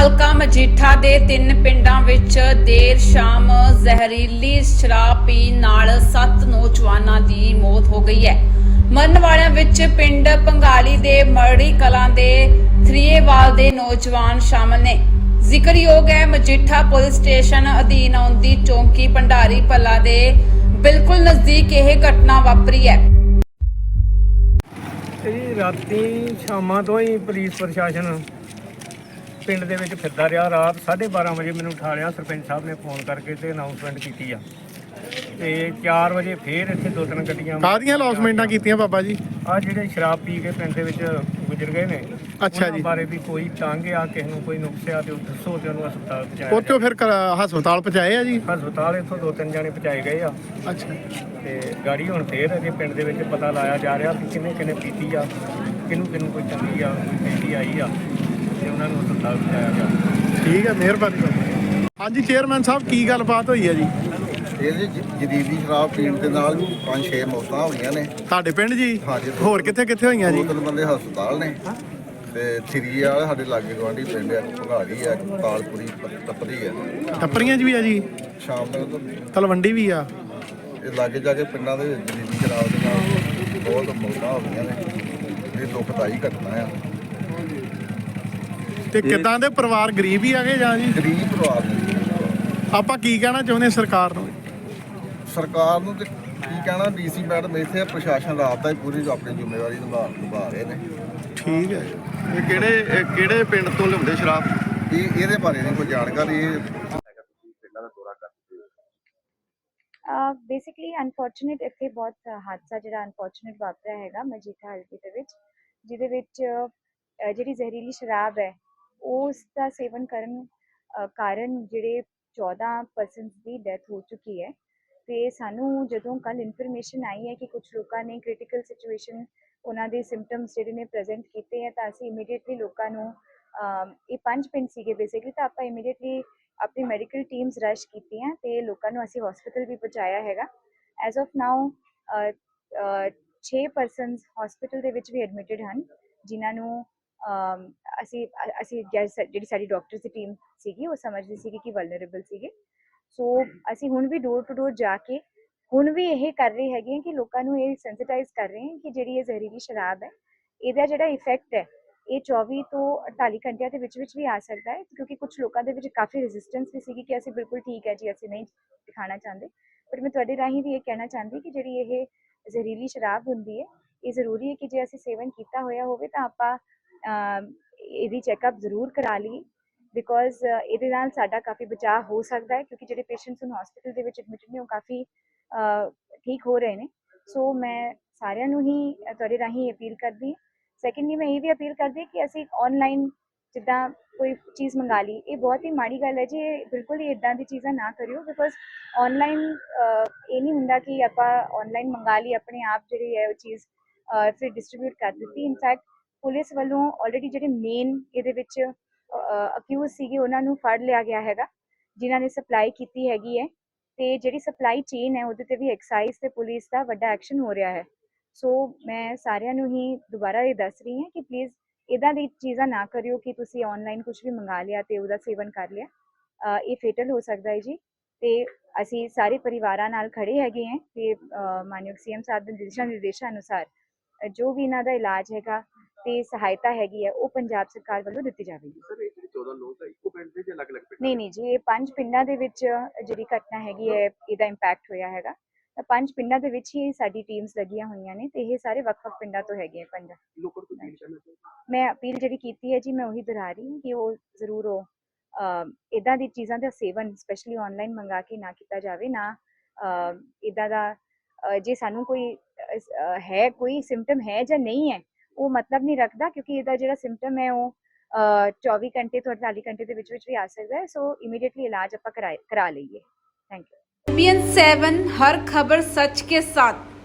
ਹਲਕਾ ਮਜੀਠਾ ਦੇ 3 ਪਿੰਡਾਂ ਵਿੱਚ ਦੇਰ ਸ਼ਾਮ ਜ਼ਹਿਰੀਲੀ ਸ਼ਰਾਬ ਪੀਣ ਨਾਲ 7 ਨੌਜਵਾਨਾਂ ਦੀ ਮੌਤ ਹੋ ਗਈ ਹੈ। ਮਰਨ ਵਾਲਿਆਂ ਵਿੱਚ ਪਿੰਡ ਪੰਗਾਲੀ ਦੇ ਮਰੜੀ ਕਲਾਂ ਦੇ ਥਰੀਏਵਾਲ ਦੇ ਨੌਜਵਾਨ ਸ਼ਾਮਲ ਨੇ। ਜ਼ਿਕਰਯੋਗ ਹੈ ਮਜੀਠਾ ਪੁਲਿਸ ਸਟੇਸ਼ਨ ਅਧੀਨ ਆਉਂਦੀ ਚੌਂਕੀ ਭੰਡਾਰੀ ਭੱਲਾ ਦੇ ਬਿਲਕੁਲ ਨਜ਼ਦੀਕ ਇਹ ਘਟਨਾ ਵਾਪਰੀ ਹੈ। ਰਾਤੀ ਸ਼ਾਮਾਂ ਤੋਂ ਹੀ ਪੁਲਿਸ ਪ੍ਰਸ਼ਾਸਨ ਪਿੰਡ ਦੇ ਵਿੱਚ ਫਿਰਦਾ ਰਿਹਾ। ਰਾਤ 12:30 ਵਜੇ ਮੈਨੂੰ ਉਠਾ ਲਿਆ ਸਰਪੰਚ ਸਾਹਿਬ ਨੇ ਫੋਨ ਕਰਕੇ ਤੇ ਅਨਾਉਂਸਮੈਂਟ ਕੀਤੀ ਆ ਤੇ 4 ਵਜੇ ਫੇਰ ਇੱਥੇ 2-3 ਗੱਡੀਆਂ ਕਾਹਦੀਆਂ ਅਨਾਉਂਸਮੈਂਟਾਂ ਕੀਤੀਆਂ ਬਾਬਾ ਜੀ? ਆ ਜਿਹੜੇ ਸ਼ਰਾਬ ਪੀ ਕੇ ਪਿੰਡ ਦੇ ਵਿੱਚ ਗੁਜ਼ਰ ਗਏ ਨੇ, ਅੱਛਾ ਜੀ, ਬਾਰੇ ਵੀ ਕੋਈ ਤੰਗ ਆ, ਕਿਸੇ ਨੂੰ ਕੋਈ ਨੁਕਸ ਆ ਤੇ ਦੱਸੋ ਤੇ ਉਹਨੂੰ ਹਸਪਤਾਲ ਪਹੁੰਚਾਇਆ। ਉੱਥੋਂ ਫਿਰ ਹਸਪਤਾਲ ਪਹੁੰਚਾਏ ਆ ਜੀ? ਹਸਪਤਾਲ ਇੱਥੋਂ 2-3 ਜਾਣੇ ਪਹੁੰਚਾਏ ਗਏ ਆ। ਅੱਛਾ, ਤੇ ਗਾੜੀ ਹੁਣ ਫੇਰ ਅਜੇ ਪਿੰਡ ਦੇ ਵਿੱਚ ਪਤਾ ਲਾਇਆ ਜਾ ਰਿਹਾ ਕਿ ਕਿਹਨੇ ਪੀਤੀ ਆ, ਕਿਹਨੂੰ ਕੋਈ ਚੰਗੀ ਆ, ਕੋਈ ਪੀਤੀ ਆਈ ਆ ਤੇ ਉਹਨਾਂ ਨੂੰ ਹਸਪਤਾਲ ਪਹੁੰਚਾਇਆ ਗਿਆ। ਠੀਕ ਹੈ, ਮਿਹਰਬਾਨੀ। ਹਾਂਜੀ ਚੇਅਰਮੈਨ ਸਾਹਿਬ, ਕੀ ਗੱਲਬਾਤ ਹੋਈ ਹੈ ਜੀ? ਇਹ ਜਦੀਦੀ ਸ਼ਰਾਬ ਪੀਣ ਦੇ ਨਾਲ 5-6 ਮੌਤਾਂ ਹੋਈਆਂ ਨੇ ਤੁਹਾਡੇ ਪਿੰਡ ਜੀ? ਹਾਂਜੀ। ਹੋਰ ਕਿੱਥੇ ਹੋਈਆਂ ਜੀ? 2-3 ਬੰਦੇ ਹਸਪਤਾਲ ਨੇ ਤੇ ਥਰੀ ਵਾਲੇ ਸਾਡੇ ਲਾਗੇ ਗਵਾਂਢੀ ਪਿੰਡ ਆ, ਭਗਾੜੀ ਆ, ਤਾਲਪੁਰੀ ਟੱਪਰੀ ਆ, ਟੱਪਰੀਆਂ 'ਚ ਵੀ ਆ ਜੀ? ਸ਼ਾਮ ਤੱਕ ਤਲਵੰਡੀ ਵੀ ਆ? ਇਹ ਲਾਗੇ ਜਾ ਕੇ ਪਿੰਡਾਂ ਦੇ ਜਦੀਦੀ ਸ਼ਰਾਬ ਦੇ ਨਾਲ ਬਹੁਤ ਮੌਤਾਂ ਹੋ ਗਈਆਂ ਨੇ। ਇਹ ਦੁਖਦਾਈ ਘਟਨਾ ਆ। ਤੇ ਕਿੱਦਾਂ ਦੇ ਪਰਿਵਾਰ ਗਰੀਬ ਹੀ ਆਗੇ ਜਾਂ ਜੀ? ਗਰੀਬ ਪਰਿਵਾਰ ਨੇ। ਆਪਾਂ ਕੀ ਕਹਿਣਾ ਚਾਹੁੰਦੇ ਸਰਕਾਰ ਨੂੰ? ਸਰਕਾਰ ਨੂੰ ਤੇ ਕੀ ਕਹਿਣਾ, ਡੀਸੀ ਮੈਡਮ ਇੱਥੇ ਪ੍ਰਸ਼ਾਸਨ ਰਾਤ ਦਾ ਹੀ ਪੂਰੀ ਆਪਣੀ ਜ਼ਿੰਮੇਵਾਰੀ ਨਿਭਾ ਰਹੇ ਨੇ। ਠੀਕ ਹੈ। ਇਹ ਕਿਹੜੇ ਪਿੰਡ ਤੋਂ ਲਿਆਉਂਦੇ ਸ਼ਰਾਬ? ਇਹਦੇ ਬਾਰੇ ਨਹੀਂ ਕੋਈ ਜਾਣਕਾਰੀ। ਬੇਸਿਕਲੀ ਅਨਫੋਰਚੂਨੇਟ ਇੱਥੇ ਬਹੁਤ ਹਾਦਸਾ ਜਿਹੜਾ ਅਨਫੋਰਚੂਨੇਟ ਵਾਪਰਿਆ ਹੈਗਾ ਮਜੀਠਾ ਹਲਕੇ ਦੇ ਵਿੱਚ, ਜਿਹਦੇ ਵਿੱਚ ਜਿਹੜੀ ਜ਼ਹਿਰੀਲੀ ਸ਼ਰਾਬ ਹੈ ਉਸ ਦਾ ਸੇਵਨ ਕਰਨ ਕਾਰਨ ਜਿਹੜੇ 14 ਪਰਸਨਸ ਦੀ ਡੈਥ ਹੋ ਚੁੱਕੀ ਹੈ। ਤੇ ਸਾਨੂੰ ਜਦੋਂ ਕੱਲ ਇਨਫੋਰਮੇਸ਼ਨ ਆਈ ਹੈ ਕਿ ਕੁਝ ਲੋਕਾਂ ਨੇ ਕ੍ਰਿਟੀਕਲ ਸਿਚੁਏਸ਼ਨ ਉਹਨਾਂ ਦੇ ਸਿੰਪਟਮਸ ਜਿਹੜੇ ਨੇ ਪ੍ਰੈਜ਼ੈਂਟ ਕੀਤੇ ਹੈ, ਤਾਂ ਅਸੀਂ ਇਮੀਡੀਏਟਲੀ ਲੋਕਾਂ ਨੂੰ ਇਹ 5 ਪਿੰਡ ਸੀਗੇ ਬੇਸਿਕਲੀ, ਤਾਂ ਆਪਾਂ ਇਮੀਡੀਏਟਲੀ ਆਪਣੀ ਮੈਡੀਕਲ ਟੀਮਸ ਰਸ਼ ਕੀਤੀਆਂ ਤੇ ਲੋਕਾਂ ਨੂੰ ਅਸੀਂ ਹਸਪੀਟਲ ਵੀ ਪਹੁੰਚਾਇਆ ਹੈਗਾ। As of now 6 persons hospital ਦੇ ਵਿੱਚ ਵੀ ਐਡਮਿਟਡ ਹਨ, ਜਿਨ੍ਹਾਂ ਨੂੰ ਅਸੀਂ ਜਿਹੜੀ ਸਾਡੀ ਡਾਕਟਰਸ ਦੀ ਟੀਮ ਸੀਗੀ ਉਹ ਸਮਝਦੀ ਸੀਗੀ ਕਿ ਵਲਨਰੇਬਲ ਸੀਗੇ। ਸੋ ਅਸੀਂ ਹੁਣ ਵੀ ਡੋਰ ਟੂ ਡੋਰ ਜਾ ਕੇ ਹੁਣ ਵੀ ਇਹ ਕਰ ਰਹੇ ਹੈਗੇ ਕਿ ਲੋਕਾਂ ਨੂੰ ਇਹ ਸੈਂਸਿਟਾਈਜ਼ ਕਰ ਰਹੇ ਹਾਂ ਕਿ ਜਿਹੜੀ ਇਹ ਜ਼ਹਿਰੀਲੀ ਸ਼ਰਾਬ ਹੈ ਇਹਦਾ ਜਿਹੜਾ ਇਫੈਕਟ ਹੈ ਇਹ 24 ਤੋਂ 48 ਘੰਟਿਆਂ ਦੇ ਵਿੱਚ ਵੀ ਆ ਸਕਦਾ ਹੈ, ਕਿਉਂਕਿ ਕੁਝ ਲੋਕਾਂ ਦੇ ਵਿੱਚ ਕਾਫੀ ਰੈਜ਼ਿਸਟੈਂਸ ਵੀ ਸੀਗੀ ਕਿ ਅਸੀਂ ਬਿਲਕੁਲ ਠੀਕ ਹੈ ਜੀ, ਅਸੀਂ ਨਹੀਂ ਦਿਖਾਣਾ ਚਾਹੁੰਦੇ। ਪਰ ਮੈਂ ਤੁਹਾਡੇ ਰਾਹੀਂ ਵੀ ਇਹ ਕਹਿਣਾ ਚਾਹੁੰਦੀ ਕਿ ਜਿਹੜੀ ਇਹ ਜ਼ਹਿਰੀਲੀ ਸ਼ਰਾਬ ਹੁੰਦੀ ਹੈ ਇਹ ਜ਼ਰੂਰੀ ਹੈ ਕਿ ਜੇ ਅਸੀਂ ਸੇਵਨ ਕੀਤਾ ਹੋਇਆ ਹੋਵੇ ਤਾਂ ਆਪਾਂ ਇਹਦੀ ਚੈੱਕਅਪ ਜ਼ਰੂਰ ਕਰਾ ਲਈਏ, ਬਿਕੋਜ਼ ਇਹਦੇ ਨਾਲ ਸਾਡਾ ਕਾਫੀ ਬਚਾਅ ਹੋ ਸਕਦਾ ਹੈ, ਕਿਉਂਕਿ ਜਿਹੜੇ ਪੇਸ਼ੈਂਟਸ ਨੂੰ ਹਸਪੀਟਲ ਦੇ ਵਿੱਚ ਐਡਮਿਟਡ ਨੇ ਉਹ ਕਾਫੀ ਠੀਕ ਹੋ ਰਹੇ ਨੇ। ਸੋ ਮੈਂ ਸਾਰਿਆਂ ਨੂੰ ਹੀ ਤੁਹਾਡੇ ਰਾਹੀਂ ਅਪੀਲ ਕਰਦੀ ਹਾਂ। ਸੈਕੰਡਲੀ ਮੈਂ ਇਹ ਵੀ ਅਪੀਲ ਕਰਦੀ ਕਿ ਅਸੀਂ ਆਨਲਾਈਨ ਜਿੱਦਾਂ ਕੋਈ ਚੀਜ਼ ਮੰਗਾ ਲਈ, ਇਹ ਬਹੁਤ ਹੀ ਮਾੜੀ ਗੱਲ ਹੈ ਜੀ, ਇਹ ਬਿਲਕੁਲ ਹੀ ਇੱਦਾਂ ਦੀ ਚੀਜ਼ਾਂ ਨਾ ਕਰਿਓ, ਬਿਕੋਜ਼ ਆਨਲਾਈਨ ਇਹ ਨਹੀਂ ਹੁੰਦਾ ਕਿ ਆਪਾਂ ਆਨਲਾਈਨ ਮੰਗਾ ਲਈ ਆਪਣੇ ਆਪ ਜਿਹੜੀ ਹੈ ਉਹ ਚੀਜ਼ ਫਿਰ ਡਿਸਟਰੀਬਿਊਟ ਕਰ ਦਿੱਤੀ। ਇਨਫੈਕਟ ਪੁਲਿਸ ਵੱਲੋਂ ਆਲਰੇਡੀ ਜਿਹੜੇ ਮੇਨ ਇਹਦੇ ਵਿੱਚ ਅਕਿਊਜ਼ ਸੀਗੇ ਉਹਨਾਂ ਨੂੰ ਫੜ ਲਿਆ ਗਿਆ ਹੈਗਾ, ਜਿਨ੍ਹਾਂ ਨੇ ਸਪਲਾਈ ਕੀਤੀ ਹੈਗੀ ਹੈ, ਤੇ ਜਿਹੜੀ ਸਪਲਾਈ ਚੇਨ ਹੈ ਉਹਦੇ ਤੇ ਵੀ ਐਕਸਾਈਜ਼ ਤੇ ਪੁਲਿਸ ਦਾ ਵੱਡਾ ਐਕਸ਼ਨ ਹੋ ਰਿਹਾ ਹੈ। ਸੋ ਮੈਂ ਸਾਰਿਆਂ ਨੂੰ ਹੀ ਦੁਬਾਰਾ ਇਹ ਦੱਸ ਰਹੀ ਹਾਂ ਕਿ ਪਲੀਜ਼ ਇੱਦਾਂ ਦੀ ਚੀਜ਼ਾਂ ਨਾ ਕਰਿਓ ਕਿ ਤੁਸੀਂ ਆਨਲਾਈਨ ਕੁਝ ਵੀ ਮੰਗਾ ਲਿਆ ਤੇ ਉਹਦਾ ਸੇਵਨ ਕਰ ਲਿਆ, ਇਹ ਫੇਟਲ ਹੋ ਸਕਦਾ ਹੈ ਜੀ। ਤੇ ਅਸੀਂ ਸਾਰੇ ਪਰਿਵਾਰਾਂ ਨਾਲ ਖੜੇ ਹੈਗੇ ਹਾਂ ਤੇ ਮਾਨਯੋਗ ਸੀਐਮ ਸਾਹਿਬ ਦੇ ਦਿਸ਼ਾ ਨਿਰਦੇਸ਼ਾਂ ਅਨੁਸਾਰ ਜੋ ਵੀ ਇਹਨਾਂ ਦਾ ਇਲਾਜ ਹੈਗਾ ਤੇ ਸਹਾਇਤਾ ਹੈਗੀ ਹੈ ਉਹ ਪੰਜਾਬ ਸਰਕਾਰ ਵੱਲੋਂ ਦਿੱਤੀ ਜਾਵੇਗੀ। ਸਰ ਇਹ ਜਿਹੜੇ 14 ਲੋਕ ਆ ਇੱਕੋ ਪਿੰਡ ਦੇ ਜਾਂ ਅਲੱਗ-ਅਲੱਗ ਪਿੰਡ? ਨਹੀਂ ਜੀ, ਇਹ 5 ਪਿੰਡਾਂ ਦੇ ਵਿੱਚ ਜਿਹੜੀ ਘਟਨਾ ਹੈਗੀ ਹੈ ਇਹਦਾ ਇੰਪੈਕਟ ਹੋਇਆ ਹੈਗਾ, ਤਾਂ 5 ਪਿੰਡਾਂ ਦੇ ਵਿੱਚ ਹੀ ਸਾਡੀ ਟੀਮਸ ਲੱਗੀਆਂ ਹੋਈਆਂ ਨੇ ਤੇ ਇਹ ਸਾਰੇ ਵੱਖ-ਵੱਖ ਪਿੰਡਾਂ ਤੋਂ ਹੈਗੇ ਪਿੰਡ। ਲੋਕਾਂ ਤੋਂ ਕੀ ਕਹਿਣਾ ਚਾਹੁੰਦੇ? ਮੈਂ ਅਪੀਲ ਜਿਹੜੀ ਕੀਤੀ ਹੈ ਜੀ ਮੈਂ ਉਹੀ ਦੁਹਰਾ ਰਹੀ ਹਾਂ ਕਿ ਉਹ ਜ਼ਰੂਰ ਇੱਦਾਂ ਦੀ ਚੀਜ਼ਾਂ ਦਾ ਸੇਵਨ ਸਪੈਸ਼ਲੀ ਆਨਲਾਈਨ ਮੰਗਾ ਕੇ ਨਾ ਕੀਤਾ ਜਾਵੇ। ਨਾ ਇੱਦਾਂ ਦਾ ਜੇ ਸਾਨੂੰ ਕੋਈ ਹੈ ਕੋਈ ਸਿੰਪਟਮ ਹੈ ਜਾਂ ਨਹੀਂ ਹੈ ਉਹ ਮਤਲਬ ਨਹੀਂ ਰੱਖਦਾ, ਕਿਉਂਕਿ ਇਹਦਾ ਜਿਹੜਾ ਸਿੰਪਟਮ ਹੈ ਉਹ 24 ਘੰਟੇ ਤੋਂ 48 ਘੰਟੇ ਦੇ ਵਿੱਚ ਵੀ ਆ ਸਕਦਾ ਹੈ। ਸੋ ਇਮੀਡੀਏਟਲੀ ਇਲਾਜ ਆਪਾਂ ਕਰਾ ਲਈਏ। Thank you. ABN 7 हर खबर सच के साथ।